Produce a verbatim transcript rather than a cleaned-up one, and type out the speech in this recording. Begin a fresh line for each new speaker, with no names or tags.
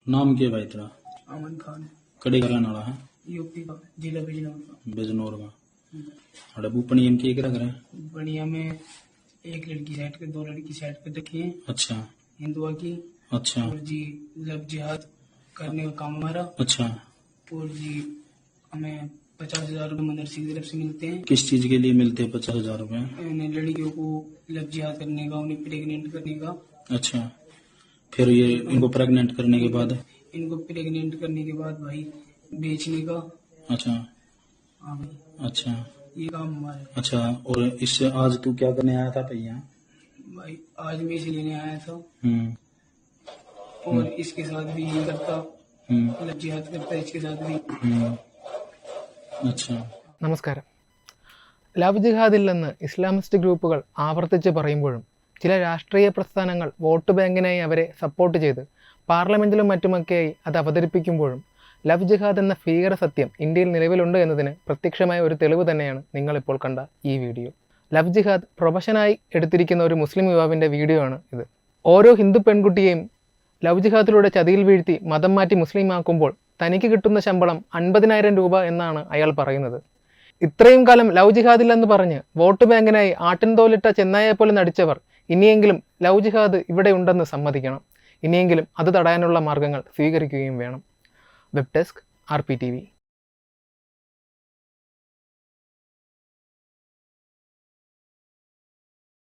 नाम क्या भाई तेरा?
अमन खान।
कड़े का रहने वाला है?
यूपी का, जिला बिजनौर का।
बिजनौर का। अरे बुपनी इनके एक रख रहे हैं।
बढ़िया में एक लड़की साइड के, दो लड़की साइड पे रखी है।
अच्छा
हिंदुआ की।
अच्छा
और जी लब जिहाद करने का काम हमारा।
अच्छा।
और जी हमें पचास हजार रूपए मदरसे की तरफ से मिलते हैं।
किस चीज के लिए मिलते हैं पचास हजार रूपए?
उन्हें लड़कियों को लब जिहाद करने का, उन्हें प्रेग्नेंट करने का।
अच्छा, फिर ये इनको प्रेग्नेंट करने के बाद?
इनको प्रेग्नेंट करने के बाद भाई बेचने का।
अच्छा
हाँ भाई,
अच्छा
ये काम हमारा।
अच्छा। और इससे आज तू क्या करने आया था भैया?
भाई आज मैं इसे लेने आया था।
हम्म
और इसके साथ भी यही करता,
हम्म
मतलब जिहाद करता इसके साथ भी।
हम्म अच्छा।
നമസ്കാരം. ലവ് ജിഹാദില്ലെന്ന് ഇസ്ലാമിസ്റ്റ് ഗ്രൂപ്പുകൾ ആവർത്തിച്ച് പറയുമ്പോഴും ചില രാഷ്ട്രീയ പ്രസ്ഥാനങ്ങൾ വോട്ട് ബാങ്കിനായി അവരെ സപ്പോർട്ട് ചെയ്ത് പാർലമെൻറ്റിലും മറ്റുമൊക്കെയായി അത് അവതരിപ്പിക്കുമ്പോഴും ലവ് ജിഹാദ് എന്ന ഭീകര സത്യം ഇന്ത്യയിൽ നിലവിലുണ്ട് എന്നതിന് പ്രത്യക്ഷമായ ഒരു തെളിവ് തന്നെയാണ് നിങ്ങളിപ്പോൾ കണ്ട ഈ വീഡിയോ. ലവ് ജിഹാദ് പ്രൊഫഷനായി എടുത്തിരിക്കുന്ന ഒരു മുസ്ലിം യുവാവിൻ്റെ വീഡിയോ ആണ് ഇത്. ഓരോ ഹിന്ദു പെൺകുട്ടിയെയും ലവ് ജിഹാദിലൂടെ ചതിയിൽ വീഴ്ത്തി മതം മാറ്റി മുസ്ലിമാക്കുമ്പോൾ തനിക്ക് കിട്ടുന്ന ശമ്പളം അൻപതിനായിരം രൂപ എന്നാണ് അയാൾ പറയുന്നത്. ഇത്രയും കാലം ലവ് ജിഹാദില്ലെന്ന് പറഞ്ഞ് വോട്ട് ബാങ്കിനായി ആട്ടിൻതോലിട്ട ചെന്നായെ പോലെ നടിച്ചവർ ഇനിയെങ്കിലും ലവ് ജിഹാദ് ഇവിടെ ഉണ്ടെന്ന് സമ്മതിക്കണം. ഇനിയെങ്കിലും അത് തടയാനുള്ള മാർഗങ്ങൾ സ്വീകരിക്കുകയും വേണം. Web desk R P T V.